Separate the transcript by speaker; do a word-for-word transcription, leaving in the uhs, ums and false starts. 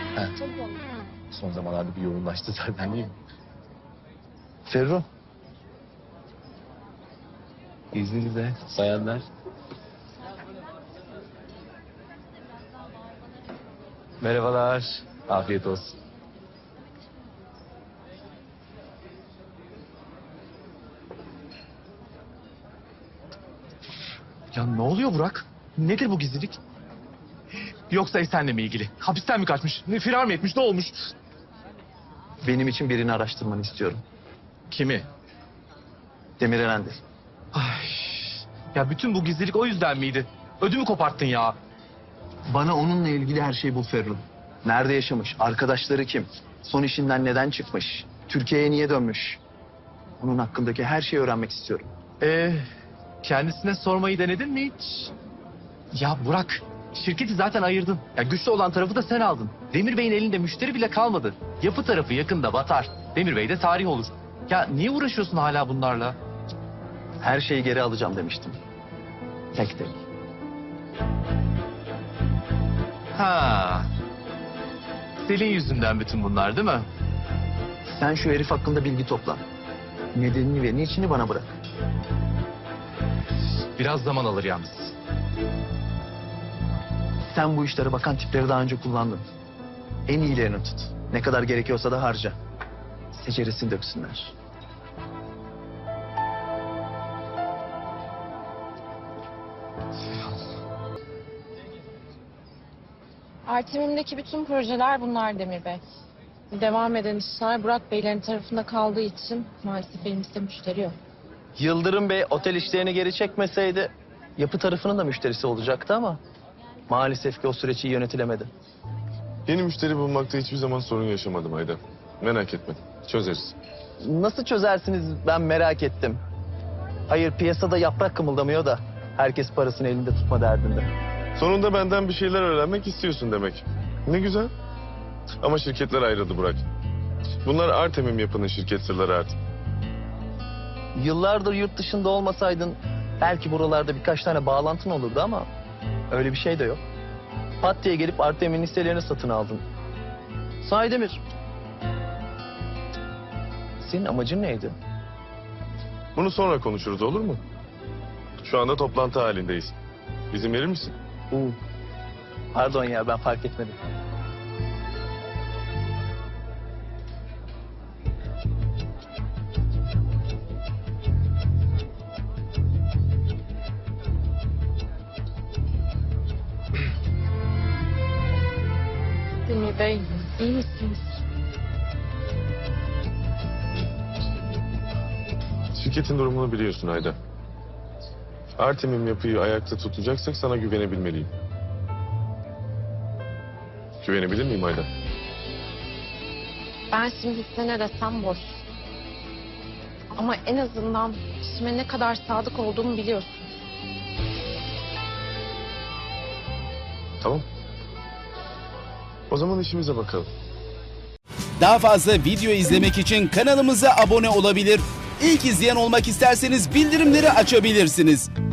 Speaker 1: He. Son zamanlarda bir yoğunlaştı zaten değil mi?
Speaker 2: Ferru.
Speaker 1: İzninizle bayanlar. Merhabalar. Afiyet olsun.
Speaker 3: Ya ne oluyor Burak? Nedir bu gizlilik? Yoksa Esen'le mi ilgili? Hapisten mi kaçmış? Ne, firar mı etmiş? Ne olmuş?
Speaker 2: Benim için birini araştırmanı istiyorum.
Speaker 3: Kimi?
Speaker 2: Demir Erendi.
Speaker 3: Ay, ya bütün bu gizlilik o yüzden miydi? Ödümü koparttın ya.
Speaker 2: Bana onunla ilgili her şeyi bul Ferru. Nerede yaşamış? Arkadaşları kim? Son işinden neden çıkmış? Türkiye'ye niye dönmüş? Onun hakkındaki her şeyi öğrenmek istiyorum.
Speaker 3: Ee, kendisine sormayı denedin mi hiç? Ya Burak, şirketi zaten ayırdın. Ya güçlü olan tarafı da sen aldın. Demir Bey'in elinde müşteri bile kalmadı. Yapı tarafı yakında batar. Demir Bey de tarih olur. Ya niye uğraşıyorsun hala bunlarla?
Speaker 2: Her şeyi geri alacağım demiştim. Tek tek.
Speaker 3: Ha. Selin yüzünden bütün bunlar değil mi?
Speaker 2: Sen şu herif hakkında bilgi topla. Nedenini ve niçini bana bırak.
Speaker 3: Biraz zaman alır yalnız.
Speaker 2: Sen bu işlere bakan tipleri daha önce kullandın. En iyilerini tut. Ne kadar gerekiyorsa da harca. Seceresini döksünler.
Speaker 4: Artemim'deki bütün projeler bunlar Demir Bey. Devam eden işler Burak Beylerin tarafında kaldığı için maalesef elimizde müşteri yok.
Speaker 2: Yıldırım Bey otel işlerini geri çekmeseydi yapı tarafının da müşterisi olacaktı ama maalesef ki o süreç iyi yönetilemedi.
Speaker 5: Yeni müşteri bulmakta hiçbir zaman sorun yaşamadım Ayda. Merak etme, çözeriz.
Speaker 2: Nasıl çözersiniz ben merak ettim. Hayır piyasada yaprak kımıldamıyor da herkes parasını elinde tutma derdinde.
Speaker 5: Sonunda benden bir şeyler öğrenmek istiyorsun demek. Ne güzel. Ama şirketler ayrıldı Burak. Bunlar Artemim Yapı'nın şirket sırları artık.
Speaker 2: Yıllardır yurt dışında olmasaydın belki buralarda birkaç tane bağlantın olurdu ama öyle bir şey de yok. Pat diye gelip Artem'in hisselerini satın aldın. Sahi Demir. Senin amacın neydi?
Speaker 5: Bunu sonra konuşuruz olur mu? Şu anda toplantı halindeyiz. İzin verir misin?
Speaker 2: Uu. Pardon ya ben fark etmedim.
Speaker 4: Demir Bey, iyi misiniz?
Speaker 5: Şirketin durumunu biliyorsun Ayda. Artemim Yapı'yı ayakta tutacaksak sana güvenebilmeliyim. Güvenebilir miyim Ayda?
Speaker 4: Ben şimdi size ne desem boş. Ama en azından işime ne kadar sadık olduğumu biliyorsun.
Speaker 5: Tamam. O zaman işimize bakalım.
Speaker 6: Daha fazla video izlemek için kanalımıza abone olabilir. İlk izleyen olmak isterseniz bildirimleri açabilirsiniz.